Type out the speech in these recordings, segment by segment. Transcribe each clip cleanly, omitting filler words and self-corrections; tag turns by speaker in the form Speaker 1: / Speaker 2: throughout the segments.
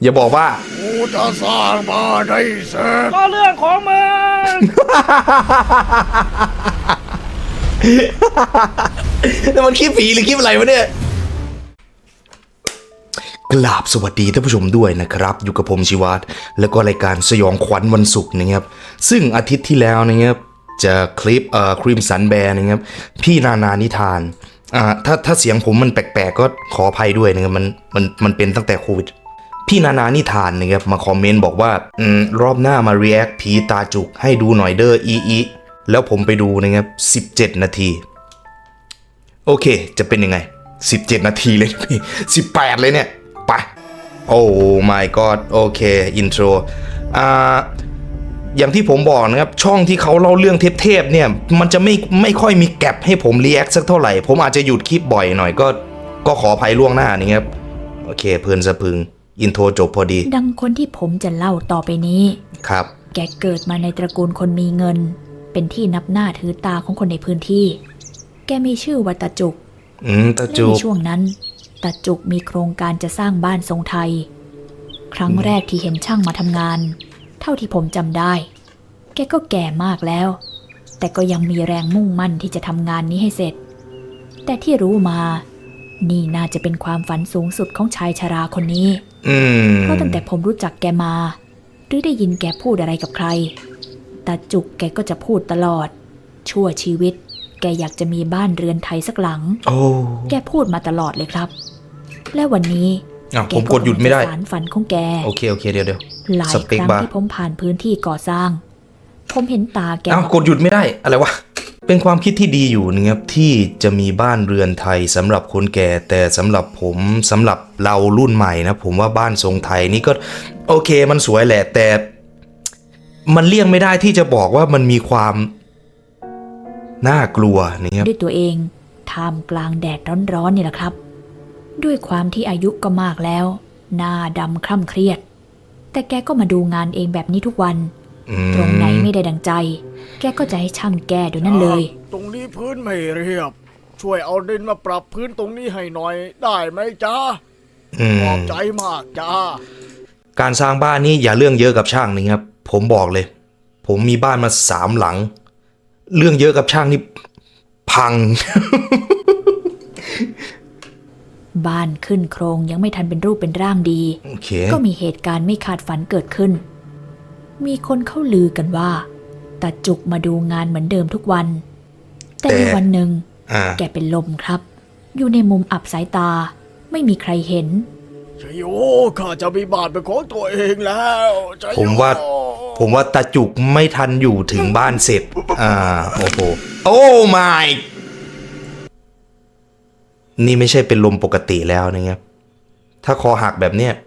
Speaker 1: อย่าบอกว่า
Speaker 2: กูจะสร้างบ้านให้เสร็จ
Speaker 3: ก็เรื่องของมึง
Speaker 1: แล้วมันคลิปผีหรือคลิปอะไรวะเนี่ยกราบสวัสดีท่านผู้ชมด้วยนะครับอยู่กับผมชิวัตรแล้วก็รายการสยองขวัญวันศุกร์นะครับซึ่งอาทิตย์ที่แล้วนะครับจะคลิปครีมสันแบร์นะครับพี่นานิทานถ้าเสียงผมมันแปลกๆก็ขออภัยด้วยนะครับมันเป็นตั้งแต่โควิดพี่นานิทานนะครับมาคอมเมนต์บอกว่ารอบหน้ามา react ผีตาจุกให้ดูหน่อยเด้ออีแล้วผมไปดูนะครับ17 นาทีโอเคจะเป็นยังไง17 นาทีเลยพี่18เลยเนี่ยไปโอ้ my god โอเคอินโทรอย่างที่ผมบอกนะครับช่องที่เขาเล่าเรื่องเทพๆเนี่ยมันจะไม่ค่อยมีแก็บให้ผมรีแอคสักเท่าไหร่ผมอาจจะหยุดคลิปบ่อยหน่อยก็ขออภัยล่วงหน้านี่ครับโอเคเพลินสะพึงอินโทรจบพอดี
Speaker 4: ดังคนที่ผมจะเล่าต่อไปนี้
Speaker 1: ครับ
Speaker 4: แกเกิดมาในตระกูลคนมีเงินเป็นที่นับหน้าถือตาของคนในพื้นที่แกมีชื่อว่าตาจุก
Speaker 1: ตาจุก
Speaker 4: ในช่วงนั้นตาจุกมีโครงการจะสร้างบ้านทรงไทยครั้งแรกที่เห็นช่างมาทำงานเท่าที่ผมจำได้แกก็แก่มากแล้วแต่ก็ยังมีแรงมุ่งมั่นที่จะทำงานนี้ให้เสร็จแต่ที่รู้มานี่น่าจะเป็นความฝันสูงสุดของชายชราคนนี้เพราะตั้งแต่ผมรู้จักแกมาหรือได้ยินแกพูดอะไรกับใครตาจุกแกก็จะพูดตลอดชั่วชีวิตแกอยากจะมีบ้านเรือนไทยสักหลังแกพูดมาตลอดเลยครับและวันนี้
Speaker 1: ผมกดหยุดไม่ได้
Speaker 4: สารฝันของแก
Speaker 1: โอเคเดี๋ยว
Speaker 4: หลายครั้งที่ผมผ่านพื้นที่ก่อสร้างผมเห็นตาแก
Speaker 1: กดหยุดไม่ได้อะไรวะเป็นความคิดที่ดีอยู่นะครับที่จะมีบ้านเรือนไทยสำหรับคนแก่แต่สำหรับผมสำหรับเรารุ่นใหม่นะผมว่าบ้านทรงไทยนี่ก็โอเคมันสวยแหละแต่มันเลี่ยงไม่ได้ที่จะบอกว่ามันมีความน่ากลัวนะครับ
Speaker 4: ด้วยตัวเองท่ามกลางแดดร้อนๆนี่แหละครับด้วยความที่อายุก็มากแล้วหน้าดำคร่ำเครียดแต่แกก็มาดูงานเองแบบนี้ทุกวันตรงไหนไม่ได้ดังใจแกก็จะให้ช่างแก้ด้วยนั่นเลย
Speaker 2: ตรงนี้พื้นไม่เรียบช่วยเอาดินมาปรับพื้นตรงนี้ให้หน่อยได้ไหมจ๊ะขอบใจมากจ้า
Speaker 1: การสร้างบ้านนี่อย่าเรื่องเยอะกับช่างนี่ครับผมบอกเลยผมมีบ้านมา3 หลังเรื่องเยอะกับช่างนี่พัง
Speaker 4: บ้านขึ้นโครงยังไม่ทันเป็นรูปเป็นร่างดี ก็มีเหตุการณ์ไม่คาดฝันเกิดขึ้นมีคนเข้าลือกันว่าตาจุกมาดูงานเหมือนเดิมทุกวันแต่ในวันหนึ่งแกเป็นลมครับอยู่ในมุมอับสายตาไม่มีใครเห็น
Speaker 2: ชโยข้าจะมีบ้านเป็นของตัวเองแล้ว
Speaker 1: ผมว่าตาจุกไม่ทันอยู่ถึงบ้านเสร็จโอ้โหโอ้ my นี่ไม่ใช่เป็นลมปกติแล้วนะครับถ้าคอหักแบบเนี้ย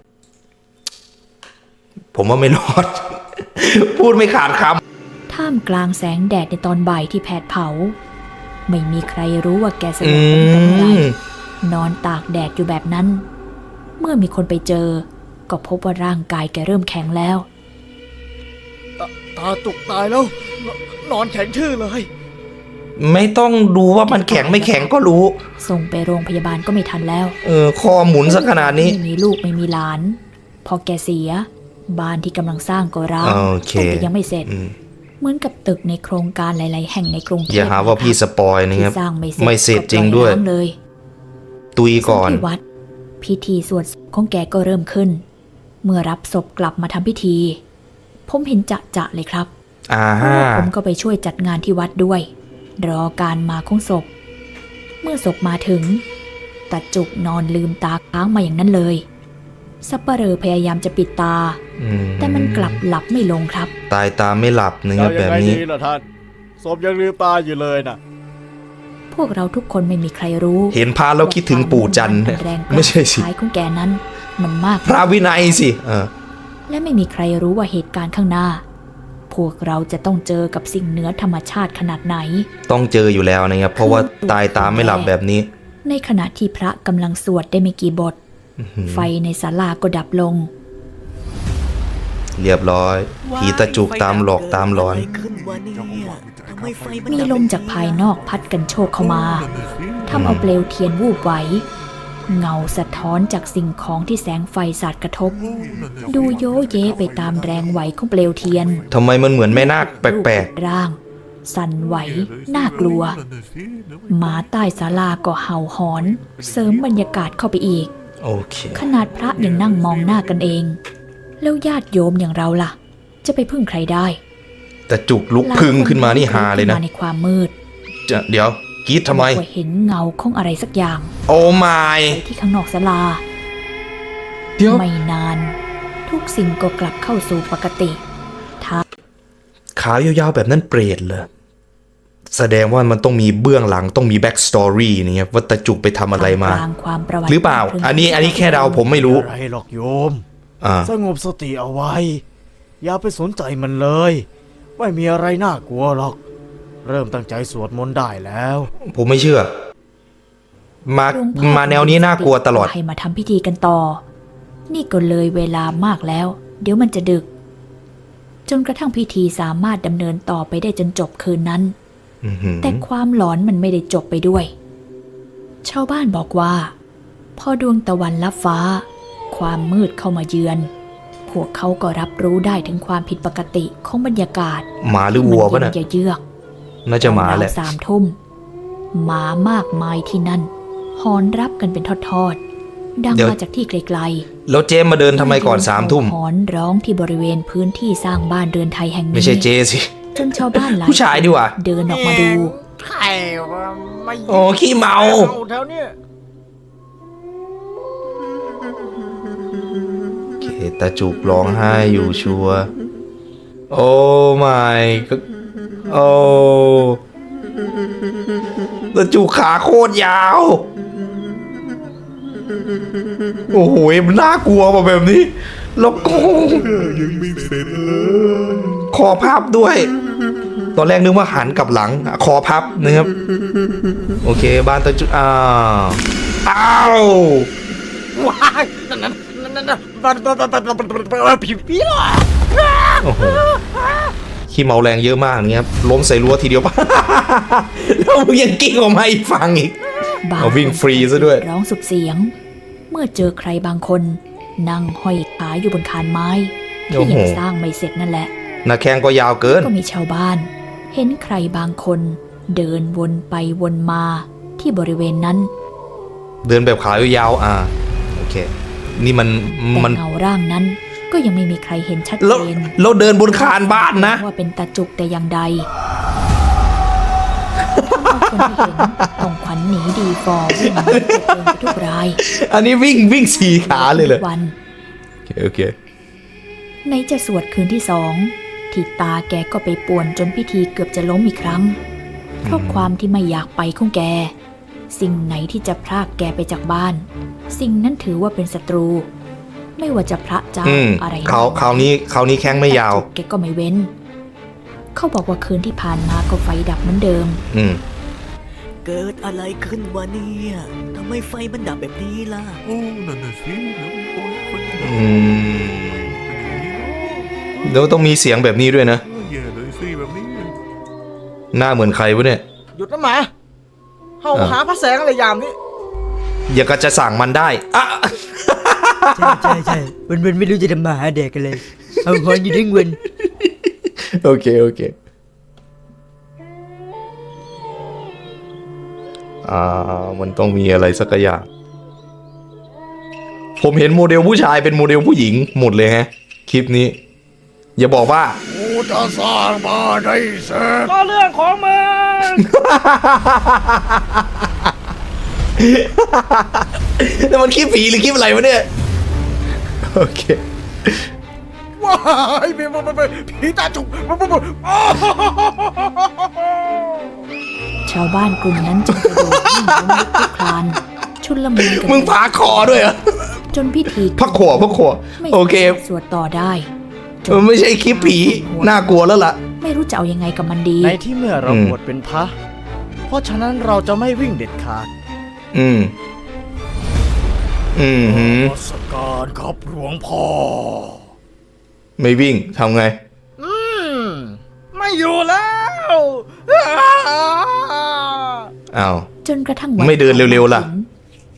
Speaker 1: ผมว่าไม่รอด พูดไม่ขาดค
Speaker 4: ำท่ามกลางแสงแดดในตอนบ่ายที่แผดเผาไม่มีใครรู้ว่าแกสลบเป็นตั้งไรนอนตากแดดอยู่แบบนั้นเมื่อมีคนไปเจอก็พบว่าร่างกายแกเริ่มแข็งแล้ว
Speaker 2: ตาจุกตายแล้วนอนแข็งทื่อเลย
Speaker 1: ไม่ต้องดูว่ามันแข็งไม่แข็งก็รู้
Speaker 4: ส่งไปโรงพยาบาลก็ไม่ทันแล้ว
Speaker 1: คอหมุนซะขนาดนี้
Speaker 4: ไม่มีลูกไม่มีหลานพอแกเสียบ้านที่กำลังสร้างก็ร้างแต่ยังไม่เสร็จเหมือนกับตึกในโครงการหลายๆแห่งในกรุงเทพ
Speaker 1: อย่าหาว่าพี่สปอยนะครับไม่เสร็จจริงด้วยตุยก่อน
Speaker 4: ที่วัดพิธีสวดของแกก็เริ่มขึ้นเมื่อรับศพกลับมาทำพิธีผมเห็นจะเลยครับผมก็ไปช่วยจัดงานที่วัดด้วยรอการมาของศพเมื่อศพมาถึงตาจุกนอนลืมตาค้างมาอย่างนั้นเลยสัปเหร่อพยายามจะปิดตาแต่มันกลับหลับไม่ลงครับ
Speaker 1: ตายตาไม่หลับนะครับแบบนี้
Speaker 2: ท่านศพยังลืมตาอยู่เลยนะ
Speaker 4: พวกเราทุกคนไม่มีใครรู้
Speaker 1: เห็นพระแล้วคิดถึงปู่จันทร์ไม่ใช่สิ
Speaker 4: ท้ายของแกนั้นมันมาก
Speaker 1: พระวินัยสิ
Speaker 4: และไม่มีใครรู้ว่าเหตุการณ์ข้างหน้าพวกเราจะต้องเจอกับสิ่งเหนือธรรมชาติขนาดไหน
Speaker 1: ต้องเจออยู่แล้วนะครับเพราะว่าตายตาไม่หลับแบบนี้
Speaker 4: ในขณะที่พระกำลังสวดได้ไม่กี่บทไฟในศาลาก็ดับลง
Speaker 1: เรียบร้อยผีตาจุกตามหลอกตามหลอน
Speaker 4: มีลมจากภายนอกพัดกันโชกเข้ามาทำเอาเปลวเทียนวูบไหวเงาสะท้อนจากสิ่งของที่แสงไฟสาดกระทบ ดูโยเยไปตามแรงไหวของเปลวเทียน
Speaker 1: ทำไมมันเหมือนแม่นาคแปลก
Speaker 4: ร่าง สั่นไหวน่ากลัว หมาใต้ศาลาก็เห่าหอน เสริมบรรยากาศเข้าไปอีก
Speaker 1: ๆโอเค
Speaker 4: ขนาดพระยังนั่งมองหน้ากันเอง แล้วญาติโยมอย่างเราล่ะ จะไปพึ่งใครได้
Speaker 1: แต่จุกลุกพึ่งขึ้นมานี่ฮาเลยนะ
Speaker 4: ขึ้มาในความมืด
Speaker 1: เดี๋ยวกรีดทำไม
Speaker 4: ก็เห็นเงาของอะไรสักอย่าง
Speaker 1: โอ้ไม่
Speaker 4: ไปที่ข้างนอกศาลา
Speaker 1: เดี๋ยว
Speaker 4: ไม่นาน ทุกสิ่งก็กลับเข้าสู่ปกติ
Speaker 1: ขาวยาวๆแบบนั้นเปรตเหรอแสดงว่ามันต้องมีเบื้องหลังต้องมีแบ็กสตอรี่นี่ครับว่าตาจุกไปทำอะไรมา
Speaker 4: กลางความประวัติ
Speaker 1: หรือเปล่า อันนี้แค่เดาผมไม่รู้
Speaker 2: อะไรหรอกโยม
Speaker 1: อ่า
Speaker 2: สงบสติเอาไว้ อย่าไปสนใจมันเลย ไม่มีอะไรน่ากลัวหรอก เริ่มตั้งใจสวดมนต์ได้แล้ว
Speaker 1: ผมไม่เชื่อ มา
Speaker 4: หลวงพ่อ
Speaker 1: มาแนวนี้น่ากลัวตลอด
Speaker 4: ให้มาทำพิธีกันต่อ นี่ก็เลยเวลามากแล้ว เดี๋ยวมันจะดึก จนกระทั่งพิธีสามารถดำเนินต่อไปได้จนจบคืนนั้น
Speaker 1: อื้อหือ
Speaker 4: แต่ความหลอนมันไม่ได้จบไปด้วย ชาวบ้านบอกว่า พอดวงตะวันลับฟ้า ความมืดเข้ามาเยือน พวกเขาก็รับรู้ได้ถึงความผิดปกติของบรรยากาศ
Speaker 1: หมาหรือวัวปะ
Speaker 4: มั
Speaker 1: น่ะ
Speaker 4: เย็นเยือก
Speaker 1: น่าจะหมาแหละ
Speaker 4: รวๆ3 ทุ่มหมามากมายที่นั่นหอนรับกันเป็นทอดๆดัง
Speaker 1: เดี๋ยว
Speaker 4: มาจากที่ไกล
Speaker 1: แล้วเจมมาเดิน
Speaker 4: ๆ
Speaker 1: ทำไมก่อน3 ทุ่ม
Speaker 4: หอนร้องที่บริเวณพื้นที่สร้างบ้านเรือนไทยแห่งนี้
Speaker 1: ไม่ใช่เจสิ
Speaker 4: จนชาวบ้านหลาย
Speaker 1: ผู้ชายดีกว่า
Speaker 4: เดินออกมาดู
Speaker 2: ใครวะไม่
Speaker 1: โอ้ขี้เมา
Speaker 2: แถวเนี้ย
Speaker 1: โอเคตาจุกร้องไห้อยู่ชัวร์โอ้ไม่ก็โอ้ตาจุกขาโคตรยาว โอ้โหมันน่ากลัวมาแบบนี้ แล้วก็คอพับด้วย ตอนแรกนึกว่าหันกลับหลัง คอพับนะครับ โอเค บ้านตาจุกอ้าว
Speaker 2: ว้ายนั่นผีหรอ
Speaker 1: โอ้โหขี้เมาแรงเยอะมากนี่ครับล้มใส่รั้วทีเดียว ปะ แล้วมึงยังกิ้งออกมาอีกฝั่งอีก
Speaker 4: บาง
Speaker 1: เอาวิ่งฟรีซะด้วย
Speaker 4: ร้องสุดเสียง เมื่อเจอใครบางคน นั่งห้อยขาอยู่บนคานไม้
Speaker 1: โอ้
Speaker 4: ที่
Speaker 1: โห
Speaker 4: ยังสร้างไม่เสร็จนั่นแหละ
Speaker 1: หน้าแข้งก็ยาวเกิน
Speaker 4: ก็มีชาวบ้าน เห็นใครบางคน เดินวนไปวนมาที่บริเวณนั้น
Speaker 1: เดินแบบขายาวโอเค นี่มัน
Speaker 4: แต่เงาร่างนั้นก็ยังไม่มีใครเห็นชัด
Speaker 1: แล้ว
Speaker 4: เจน
Speaker 1: เราเดินบนคานบ้านนะ
Speaker 4: ว่าเป็นตาจุกแต่อย่างใดคนที่เห็นต้องขวัญหนีดีฟอร์วิ่งหนีกระเจิงไปทุกราย
Speaker 1: อันนี้วิ่งสี่ขาเลยเหรอ
Speaker 4: ทุกวัน
Speaker 1: โอเค
Speaker 4: ในจะสวดคืนที่2ที่ตาแกก็ไปป่วนจนพิธีเกือบจะล้มอีกครั้ง เพราะความที่ไม่อยากไปของแก สิ่งไหนที่จะพรากแกไปจากบ้าน สิ่งนั้นถือว่าเป็นศัตรู ไม่ว่าจะพระเจ้า อะไร
Speaker 1: คราวนี้แข้งไม่ยาว
Speaker 4: แต่แกก็ไม่เว้น เขาบอกว่าคืนที่ผ่านมาก็ไฟดับเหมือนเดิม
Speaker 5: เกิดอะไรขึ้นวะเนี่ยทำไมไฟมันดับแบบนี้ล่ะ
Speaker 3: โอ้นั่นน่ะสิแล้วโอ้ยคน
Speaker 1: แล้วต้องมีเสียงแบบนี้ด้วยนะ
Speaker 3: แย่เลยสิแบบนี้
Speaker 1: หน้าเหมือนใครวะเนี่ย
Speaker 2: หยุดนะหมาเฮาหาพระแสงอะไรยามนี้
Speaker 1: อย่าก็จะสั่งมันได้อะ
Speaker 5: ใช่วันไม่รู้จะทำมาหาเด็กกันเลย เอาหอนอยู่ทั้งวัน
Speaker 1: โอเคมันต้องมีอะไรสักอย่าง ผมเห็นโมเดลผู้ชายเป็นโมเดลผู้หญิงหมดเลยฮะ คลิปนี้ อย่าบอกว่า
Speaker 2: กูจะสร้างบ้านให้เสร็จ
Speaker 3: ก็เรื่องของมึง
Speaker 1: แล้วมันคลิปผีหรือคลิปอะไรวะเนี่ย โอเค
Speaker 2: ว้ายผีตาจุก
Speaker 4: ชาวบ้านกลุ่มนั้นจึงกระโดดวิ่งล้มลุกคลุกคลาน ชุลมุนกัน
Speaker 1: มึงพาคอด้วยเหรอ
Speaker 4: จนพิธี
Speaker 1: พักขว
Speaker 4: ไม่
Speaker 1: โอเค
Speaker 4: สามารถสวดต่อได้
Speaker 1: ไม่ใช่คลิปผีน่ากลัวแล้วล่ะ
Speaker 4: ไม่รู้จะเอายังไงกับมันดี
Speaker 2: ในที่เมื่อเราบวชเป็นพระ เพราะฉะนั้นเราจะไม่วิ่งเด็ดขาดนมัสการครับหลวงพ่อ
Speaker 1: ไม่วิ่งทำไง
Speaker 2: ไม่อยู่แล้ว
Speaker 1: อ้าว
Speaker 4: จนกระทั่งวัน
Speaker 1: ไม่เดินเร็วๆล่ะ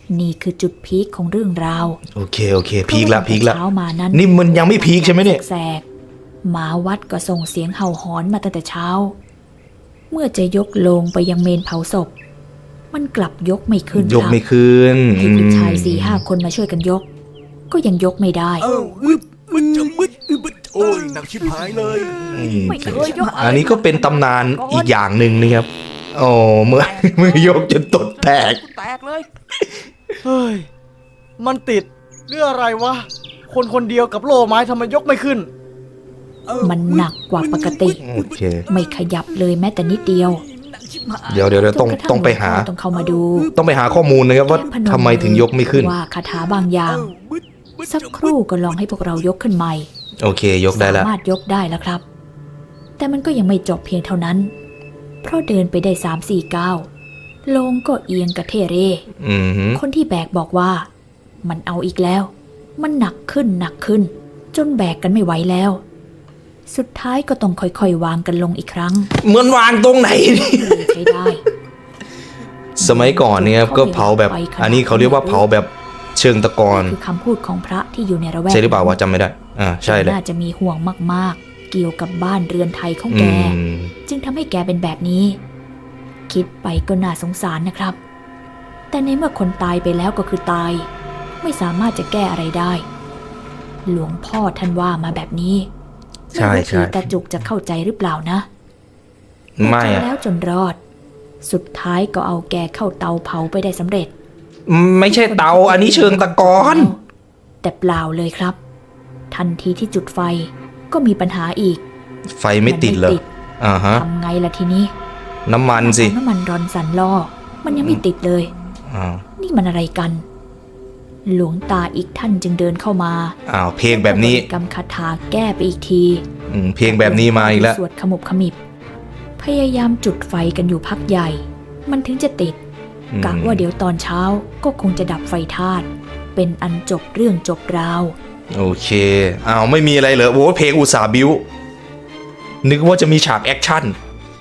Speaker 4: นี่คือจุดพีคของเรื่องราว
Speaker 1: โอเคพีคละ
Speaker 4: เช้ามานั้น
Speaker 1: นี่มันยังไม่พีคใช่ไหมเนี่ย
Speaker 4: แสกๆหมาวัดก็ส่งเสียงเห่าหอนมาตั้งแต่เช้า เมื่อจะยกโลงไปยังเมนเผาศพ มันกลับยกไม่ขึ้น
Speaker 1: ยกไม่ขึ้น
Speaker 4: ให้ผู้ชาย4-5 คนมาช่วยกันยก ก็ยังยกไม่ได้
Speaker 3: มันจะมืดโอ้ยหนักชิบหายเลย
Speaker 4: ไม่เคยยก
Speaker 1: อันนี้ก็เป็นตำนานอีกอย่างหนึ่งนะครับโอ้เมื่อยกจนตดแตก
Speaker 3: แตกเลย
Speaker 2: เฮ้ย มันติดเรื่องอะไรวะ คนคนเดียวกับโล่ไม้ทำไมยกไม่ขึ้น
Speaker 4: มันหนักกว่าปกติ
Speaker 1: โอเค
Speaker 4: ไม่ขยับเลยแม้แต่นิดเดียว
Speaker 1: เดี๋ยวต้อง
Speaker 4: จนกระทั่
Speaker 1: ต้องไปหา
Speaker 4: ลวงพ่อต้องเข้ามาดู
Speaker 1: ต้องไปหาข้อมูลนะครับว่า
Speaker 4: พน
Speaker 1: ทำไมถึงยกไม่ขึ้น
Speaker 4: ว่าคาถาบางอย่าง สักครู่ก็ลองให้พวกเรายกขึ้นใหม่
Speaker 1: โอเค ยกได้แล้ว
Speaker 4: สามารถยกได้แล้วครับ แต่มันก็ยังไม่จบเพียงเท่านั้น เพราะเดินไปได้3-4 ก้าวโลงก็เอียงกระเทเร
Speaker 1: อือหือ
Speaker 4: คนที่แบกบอกว่า มันเอาอีกแล้ว มันหนักขึ้น จนแบกกันไม่ไหวแล้ว สุดท้ายก็ต้องค่อยๆวางกันลงอีกครั้ง
Speaker 1: เหมือนวางตรงไหนนี่
Speaker 4: เลยใช้ได้
Speaker 1: สมัยก่อนเนี่ยก็เผาแบบ อันนี้เขาเรียกว่าเผาแบบเชิงตะกอน
Speaker 4: คือคำพูดของพระที่อยู่ในระแวก
Speaker 1: ใช่หรือเปล่าวะจำไม่ได้ ใช่เลย
Speaker 4: น่าจะมีห่วงมากๆ เกี่ยวกับบ้านเรือนไทยของแก จึงทำให้แกเป็นแบบนี้ คิดไปก็น่าสงสารนะครับ แต่ในเมื่อคนตายไปแล้วก็คือตาย ไม่สามารถจะแก้อะไรได้ หลวงพ่อท่านว่ามาแบบนี้
Speaker 1: ใช่
Speaker 4: ไม่รู้
Speaker 1: ใช่
Speaker 4: ผีตาจุกจะเข้าใจหรือเปล่านะ
Speaker 1: ไม่
Speaker 4: แต่
Speaker 1: อะ
Speaker 4: แล้วจนรอด สุดท้ายก็เอาแกเข้าเตาเผาไปได้สำเร็จ
Speaker 1: ไม่ใช่เตา อันนี้เชิงตะกอน
Speaker 4: แต่เปล่าเลยครับ ทันทีที่จุดไฟก็มีปัญหาอีก
Speaker 1: ไฟไม่ติดเหรออ่าฮะ
Speaker 4: ทำไงล่ะทีนี้
Speaker 1: น้ำมันสิ
Speaker 4: เอาน้ำมันรอนสันล่อ มันยังไม่ติดเลย
Speaker 1: อ้าว
Speaker 4: นี่มันอะไรกัน หลวงตาอีกท่านจึงเดินเข้ามา
Speaker 1: อ้าวเพลงแบบนี้
Speaker 4: กำคาถาแก้ไปอีกที
Speaker 1: เพลงแบบนี้มาอีกแล้ว
Speaker 4: สวดขมุบขมิบ พยายามจุดไฟกันอยู่พักใหญ่ มันถึงจะติดกะว่าเดี๋ยวตอนเช้าก็คงจะดับไฟธาตุเป็นอันจบเรื่องจบราว
Speaker 1: โอเคอ้าวไม่มีอะไรเหรอโอ้เพลงอุตสาห์บิ้วนึกว่าจะมีฉากแอคชั่น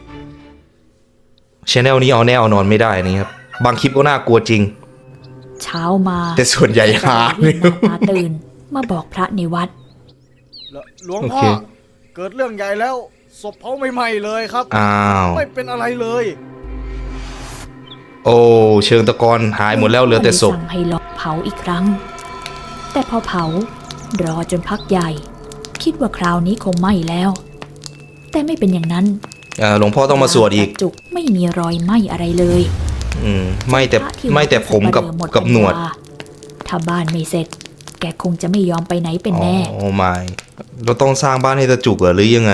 Speaker 1: ชแนลนี้เอาแน่เอานอนไม่ได้นี่ครับบางคลิปก็น่ากลัวจริง
Speaker 4: เช้ามา
Speaker 1: แต่ส่วนใหญ่หา
Speaker 4: รีบตาตื่นมาบอกพระในวัด
Speaker 2: หลวง
Speaker 1: โอ
Speaker 2: พ่อ
Speaker 1: เค
Speaker 2: เกิดเรื่องใหญ่แล้ว ศพเผาใหม่ๆเลยครับ
Speaker 1: อ้าว
Speaker 2: ไม่เป็นอะไรเลย
Speaker 1: โอ้เชิงตะกอนหายหมดแล้วเหลือแต่ศพ
Speaker 4: สั่งให้ลองเผาอีกครั้ง แต่พอเผารอจนพักใหญ่ คิดว่าคราวนี้คงไหม้แล้ว แต่ไม่เป็นอย่างนั้น
Speaker 1: หลวงพ่อต้องมาสวดอีก
Speaker 4: ตาจุกไม่มีรอยไหม้อะไรเลย
Speaker 1: ไม่แต่
Speaker 4: พระที่
Speaker 1: ไม่แต่ผมกับ
Speaker 4: สัปเหร่อหมด
Speaker 1: กับหนวด
Speaker 4: ปัญญาถ้าบ้านไม่เสร็จ แกคงจะไม่ยอมไปไหนเป็นแน่
Speaker 1: โอ้ไม่เราต้องสร้างบ้านให้ตะจุกเหรอหรือยังไง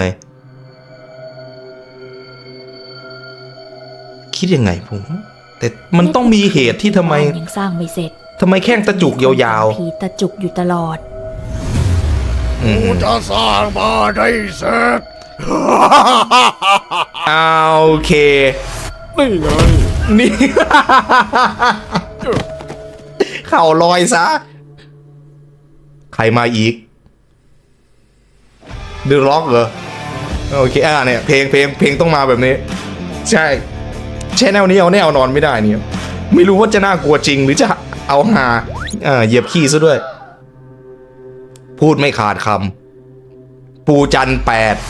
Speaker 1: คิดยังไงผมแต่มันต้องมีเหตุที่ทำไม
Speaker 4: บ้านยังสร้างไม่เสร็จ
Speaker 1: ทำไมแข้งตะจุกยาว
Speaker 4: ผีตาจุกอยู่ตลอด
Speaker 1: ๆ
Speaker 2: กูจะสร้างบ้านให้เสร็จ
Speaker 1: โอเค
Speaker 2: นี่ไง
Speaker 1: นี่ เข่าลอยซะ ใครมาอีกเดอะล็อกเหรอ โอเคเนี่ยเพลงต้องมาแบบนี้ ใช่แชนแนลนี้เอาแน่เอานอนไม่ได้เนี่ยไม่รู้ว่าจะน่ากลัวจริงหรือจะเอาหาเหยียบขี้ซะด้วย พูดไม่ขาดคำปูจัน8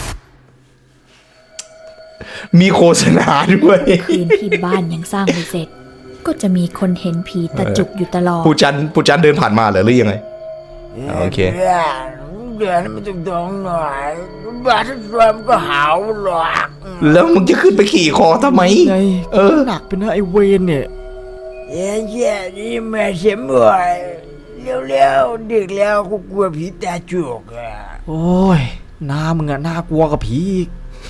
Speaker 1: มีโฆษณาด้วย
Speaker 4: คืนที่บ้านยังสร้างไม่เสร็จ ก็จะมีคนเห็นผีตาจุกอยู่ตลอด
Speaker 1: ปูจันเดินผ่านมาเหรอหรือยังไง โอเค
Speaker 5: เดือนมันต้องตรงหน่อยบ้านรวมก็หาวหรอก
Speaker 1: แล้วมึงจะขึ้นไปขี่คอทำไม
Speaker 2: ไง หนักเป็นนะไอเวนเนี่ย
Speaker 5: แย่นี่แม่เสียบ่อยเร็วๆดึกแล้วกูกลัวผีตาจุกอ่ะ
Speaker 2: โอ้ยหน้ามึงอะน่ากลัวกับผีอีก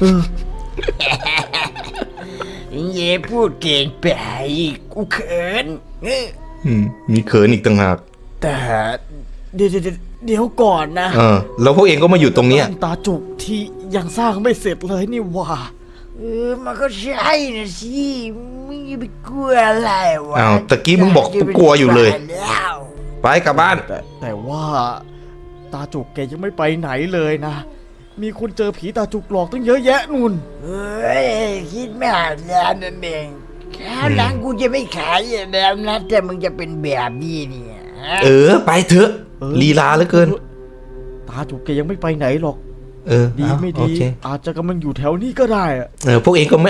Speaker 5: เย่พูดเก่งไปกูเขิน
Speaker 1: มีเขินอีกต่างหาก
Speaker 2: แต่เดี๋ยวก่อนนะ
Speaker 1: แล้วพวกเองก็มาอยู่ตรงเนี้ย
Speaker 2: บ้านตาจุกที่ยังสร้างไม่เสร็จเลยนี่หว่า
Speaker 5: มันก็ใช่นะสิมึงอย่าไปกลัวอะไรวะ
Speaker 1: ตะกี้มึงบอกกูกลัวอยู่เลย ไปกลับบ้าน
Speaker 2: แต่ว่าตาจุกแกยังไม่ไปไหนเลยนะ มีคนเจอผีตาจุกหลอกตั้งเยอะแยะนุ่น
Speaker 5: เฮ้ยคิดไม่อ่านแล้วนั่นเองคราวหลังกูจะไม่ขายแบบนั้นแต่มึงจะเป็นแบบนี้เนี่ย
Speaker 1: ไปเถอะลีลาเหลือเกิน
Speaker 2: ตาจุกแกยังไม่ไปไหนหรอก ดี
Speaker 1: เอา
Speaker 2: ไม่
Speaker 1: โอ
Speaker 2: ดี
Speaker 1: เค
Speaker 2: อาจจะกำลังอยู่แถวนี้ก็ได้อะ
Speaker 1: พวกเองก็ไม่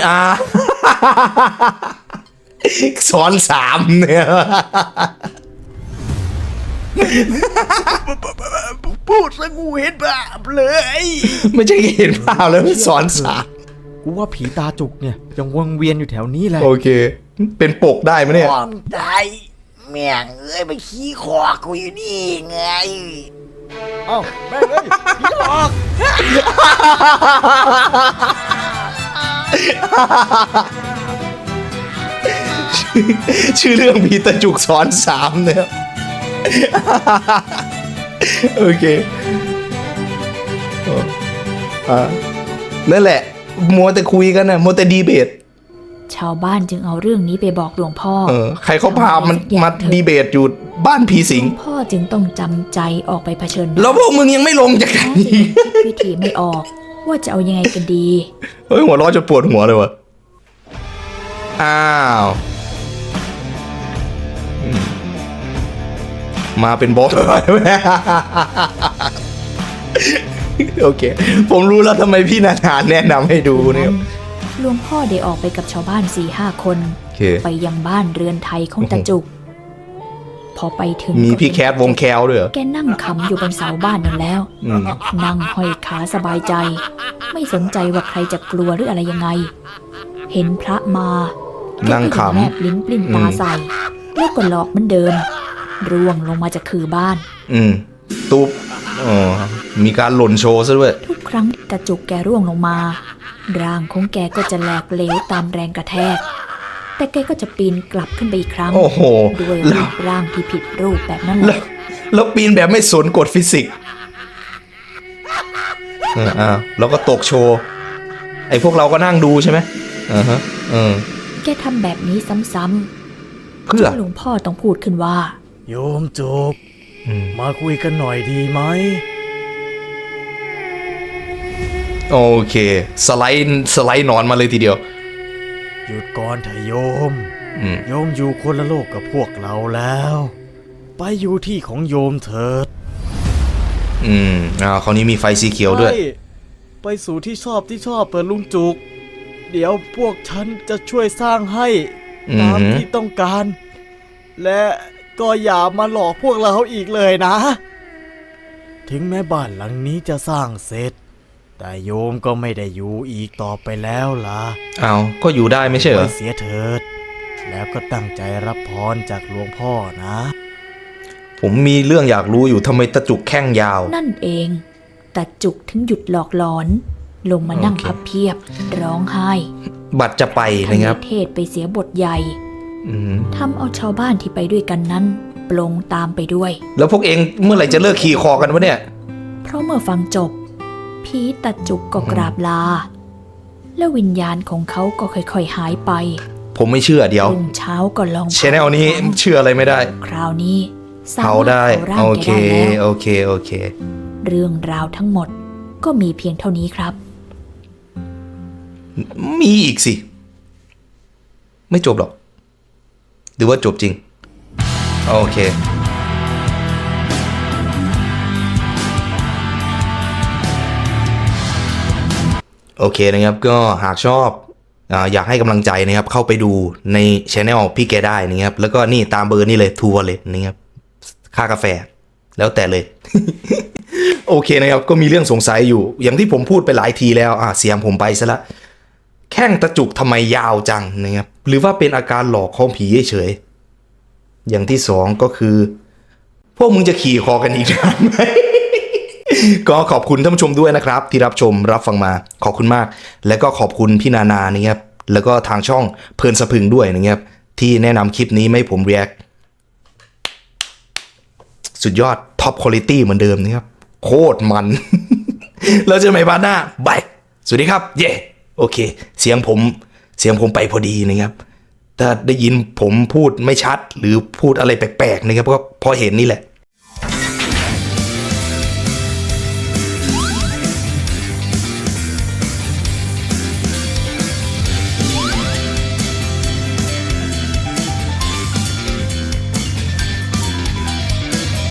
Speaker 1: สอนสามเนี่ย
Speaker 5: พูดซะกูเห็นภาพเลย
Speaker 1: ไม่ใช่เห็นภาพแล้วสอนสาม
Speaker 2: กูว่าผีตาจุกเนี่ยยังวนเวียนอยู่แถวนี้แหละ
Speaker 1: โอเค เป็นปกได้ไหมเนี่ย
Speaker 5: ความตายแม่งเอ้ยไปขี้คอกูอยู่นี่ไง
Speaker 2: เอ้าแม่งเอ้ยผีหลอก
Speaker 1: ชื่อเรื่องผีตะจุกสอนสามเนี่ย โอเคนั่นแหละ มัวแต่คุยกันนะมัวแต่ดีเบต
Speaker 4: ชาวบ้านจึงเอาเรื่องนี้ไปบอกหลวงพ่อ
Speaker 1: ใครเขาพามัน
Speaker 4: ทำอะไรสักอย่าง
Speaker 1: มา
Speaker 4: เถอะ
Speaker 1: ดีเบตอยู่บ้านผีสิง
Speaker 4: พ่อจึงต้องจำใจออกไปเผชิญห
Speaker 1: แล้
Speaker 4: น้าว
Speaker 1: พวกมึงยังไม่ลงจากกัน
Speaker 4: จึ
Speaker 1: อี
Speaker 4: ง
Speaker 1: ก
Speaker 4: คิดวิธีไม่ออก ว่าจะเอายังไงกันดี
Speaker 1: เฮ้ยหัวเร้อนจนปวดหัวเลยวะอ้าวมาเป็นบอส โอเค ผมรู้แล้วทำไมพี่นาธานแนะนำให้ดูเนี่ย
Speaker 4: หลวงพ่อได้ออกไปกับชาวบ้าน 4-5 คน
Speaker 1: โอเค
Speaker 4: ไปยังบ้านเรือนไทยของตาจุก พอไปถึง
Speaker 1: มี
Speaker 4: ก็
Speaker 1: พี่แคทวงแคลด้วยเหรอ
Speaker 4: แกนั่งขำอยู่บนเสาบ้านนั่นแล้ว นั่งห้อยขาสบายใจ ไม่สนใจว่าใครจะกลัวหรืออะไรยังไง เห็นพระมาแก
Speaker 1: นั่ง
Speaker 4: ก็ยัง
Speaker 1: ขำ
Speaker 4: แลบลิ้นปลิ้นตาใส่ แล้วก็หลอกเหมือนเดิม ร่วงลงมาจากคือบ้าน
Speaker 1: ตุ๊บมีการหล่นโชว์ซะด้วย
Speaker 4: ทุกครั้งที่ตาจุกแกร่วงลงมา ร่างของแกก็จะแหลกเหลวตามแรงกระแทก แต่แกก็จะปีนกลับขึ้นไปอีกครั้ง
Speaker 1: โอ้โห
Speaker 4: ด้วย
Speaker 1: แล้
Speaker 4: รู
Speaker 1: ว
Speaker 4: ปร่างที่ผิดรูปแบบนั้นแห
Speaker 1: แล้ว
Speaker 4: ละ
Speaker 1: แล้วปีนแบบไม่สนกฎฟิสิกส์แล้วก็ตกโชว์ ไอ้พวกเราก็นั่งดูใช่ไหม
Speaker 4: แกทำแบบนี้ซ้ำ
Speaker 1: เพื่อ
Speaker 4: ๆหลวงพ่อต้องพูดขึ้นว่า
Speaker 2: โยมจุกมาคุยกันหน่อยดีไหม
Speaker 1: โอเค สไลด์หนอนมาเลยทีเดียว
Speaker 2: หยุดก่อนเถอะโยม
Speaker 1: อืม
Speaker 2: โยมอยู่คนละโลกกับพวกเราแล้ว ไปอยู่ที่ของโยมเถิด
Speaker 1: คราวนี้มีไฟสีเขียวด้วย
Speaker 2: ไปสู่ที่ชอบเปิดลุงจุก เดี๋ยวพวกฉันจะช่วยสร้างให้ตามที่ต้องการ และก็อย่ามาหลอกพวกเราอีกเลยนะ ถึงแม้บ้านหลังนี้จะสร้างเสร็จ แต่โยมก็ไม่ได้อยู่อีกต่อไปแล้วล่ะ
Speaker 1: เอาก็อยู่ได้ไม่ใช่เหร
Speaker 2: ไป
Speaker 1: อ
Speaker 2: เสียเถิด แล้วก็ตั้งใจรับพรจากหลวงพ่อนะ
Speaker 1: ผมมีเรื่องอยากรู้อยู่ทำไมตะจุกแข้งยาว
Speaker 4: นั่นเองตาจุกถึงหยุดหลอกหลอน ลงมานั่ง
Speaker 1: โอเค
Speaker 4: พับเพียบ ร้องไห้
Speaker 1: บัตรจะไปนะครับ
Speaker 4: เทศไปเสียบทใหญ่
Speaker 1: อืม
Speaker 4: ทำเอาชาวบ้านที่ไปด้วยกันนั้นปลงตามไปด้วย
Speaker 1: แล้วพวกเองเมื่อไหร่จะเลิกขี่คอกันวะเนี่ย
Speaker 4: เพราะเมื่อฟังจบผีตาจุกก็กราบลา แล้ววิญญาณของเขาก็ค่อยๆหายไป
Speaker 1: ผมไม่เชื่อเดี๋ยว
Speaker 4: รุ่งเช้าก็ลอง
Speaker 1: ชแนลนี้เชื่ออะไรไม่ได้
Speaker 4: คราวนี้สา
Speaker 1: เผาม
Speaker 4: ารถ
Speaker 1: ได้
Speaker 4: เผาร่าง
Speaker 1: โอ
Speaker 4: แก
Speaker 1: เค
Speaker 4: ได้แล้ว
Speaker 1: โอเคโอเค
Speaker 4: เรื่องราวทั้งหมดก็มีเพียงเท่านี้ครับ
Speaker 1: มีอีกสิ ไม่จบหรอก หรือว่าจบจริง โอเค โอเคนะครับก็หากชอบอยากให้กำลังใจนะครับ เข้าไปดูในช anel พี่แกได้นะครับ แล้วก็นี่ตามเบอร์นี่เลยทัวร์เลยนะครับค่ากาแฟแล้วแต่เลย โอเคนะครับก็มีเรื่องสงสัยอยู่ อย่างที่ผมพูดไปหลายทีแล้วเสียงผมไปซะละแข้งตะจุกทำไมยาวจังนะครับหรือว่าเป็นอาการหลอกของผีเฉยๆอย่างที่สองก็คือ พวกมึงจะขี่คอกันอีกนานไหม ก็ขอบคุณท่านผู้ชมด้วยนะครับ ที่รับชมรับฟังมาขอบคุณมาก และก็ขอบคุณพี่นานานะครับแล้วก็ทางช่องเพลินสะพรึงด้วยนะครับที่แนะนำคลิปนี้ไม่ให้ผม react สุดยอดท็อปคุณภาพเหมือนเดิมนะครับโคตรมัน แล้วเจอกันใหม่พาร์ทหน้าบายสวัสดีครับเย่โอเคเสียงผมไปพอดีนะครับถ้าได้ยินผมพูดไม่ชัดหรือพูดอะไรแปลกๆนะครับก็เพราะเห็นนี่แหละ